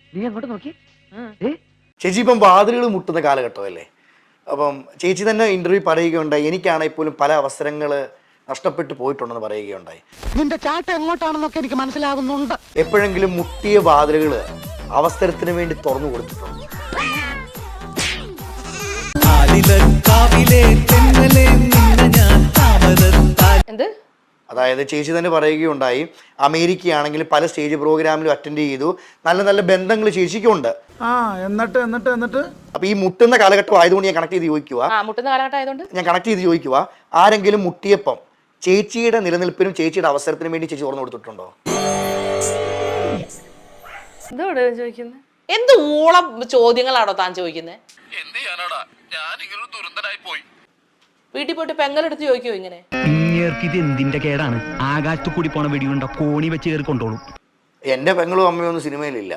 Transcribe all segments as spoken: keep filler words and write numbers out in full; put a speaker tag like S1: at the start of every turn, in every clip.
S1: നീ അങ്ങോട്ട് നോക്കി.
S2: ചേച്ചി ഇപ്പം വാതിലുകൾ മുട്ടുന്ന കാലഘട്ടമല്ലേ? അപ്പം ചേച്ചി തന്നെ ഇന്റർവ്യൂ പറയുകയുണ്ടായി, എനിക്കാണെങ്കിൽ പോലും പല അവസരങ്ങൾ നഷ്ടപ്പെട്ടു പോയിട്ടുണ്ടെന്ന് പറയുകയുണ്ടായി.
S1: നിന്റെ ചാട്ട എങ്ങോട്ടാണെന്നൊക്കെ എനിക്ക് മനസ്സിലാകുന്നുണ്ട്.
S2: എപ്പോഴെങ്കിലും മുട്ടിയ വാതിലുകൾ അവസരത്തിന് വേണ്ടി തുറന്നു കൊടുത്തിട്ടുണ്ട്? അതായത് ചേച്ചി തന്നെ പറയുകയുണ്ടായി, അമേരിക്കയാണെങ്കിൽ പല സ്റ്റേജ് പ്രോഗ്രാമിലും അറ്റൻഡ് ചെയ്തു, നല്ല നല്ല ബന്ധങ്ങൾ ചേച്ചിക്കുണ്ട്.
S3: എന്നിട്ട് എന്നിട്ട് എന്നിട്ട്
S2: അപ്പൊ ഈ മുട്ടുന്ന കാലഘട്ടം ആയതുകൊണ്ട് ഞാൻ കണക്ട് ചെയ്ത് ചോദിക്കുക
S4: മുട്ടുന്ന കാലഘട്ടം ആയതുകൊണ്ട്
S2: ഞാൻ കണക്ട് ചെയ്ത് ചോദിക്കുക ആരെങ്കിലും മുട്ടിയപ്പം ചേച്ചിയുടെ നിലനിൽപ്പിനും ചേച്ചിയുടെ അവസരത്തിനും വേണ്ടി ചേച്ചി തുറന്നു കൊടുത്തിട്ടുണ്ടോ?
S4: ചോദിക്കുന്നത് എന്ത് ഊളം ചോദ്യങ്ങളാണോ താൻ ചോദിക്കുന്നത്? വീട്ടിൽ പോയിട്ട് പെങ്ങലെടുത്ത് ചോദിക്കോ ഇങ്ങനെ?
S1: ഇത് എന്തിന്റെ കേടാണ്? ആകാശത്തു കൂടി പോണ വെടിയുണ്ട കോണി വെച്ച് കയറി കൊണ്ടോളും.
S2: എന്റെ പെങ്ങളും അമ്മയും ഒന്നും സിനിമയിലില്ല.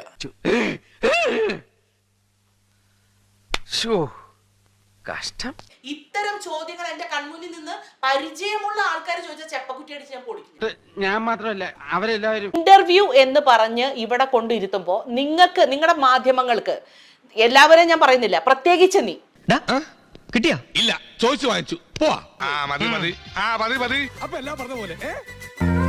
S4: കഷ്ടം. ഇത്തരം ചോദ്യങ്ങൾ എന്റെ കൺമുന്നിൽ നിന്ന് പരിചയമുള്ള ആൾക്കാർ ചോദിച്ച ചെപ്പക്കുറ്റി അടിച്ച് ഞാൻ പൊളിക്കും.
S1: ഞാൻ മാത്രമല്ല അവരെല്ലാവരും.
S4: ഇന്റർവ്യൂ എന്ന് പറഞ്ഞ് ഇവിടെ കൊണ്ടിരുത്തുമ്പോ നിങ്ങൾക്ക് നിങ്ങളുടെ മാധ്യമങ്ങൾക്ക് എല്ലാവരെയും ഞാൻ പറയുന്നില്ല, പ്രത്യേകിച്ച് നീ
S5: കിട്ടിയാ ഇല്ല ചോദിച്ചു വാങ്ങിച്ചു പോവാ. ആ മതി മതി ആ മതി മതി അപ്പൊ എല്ലാം പറഞ്ഞ പോലെ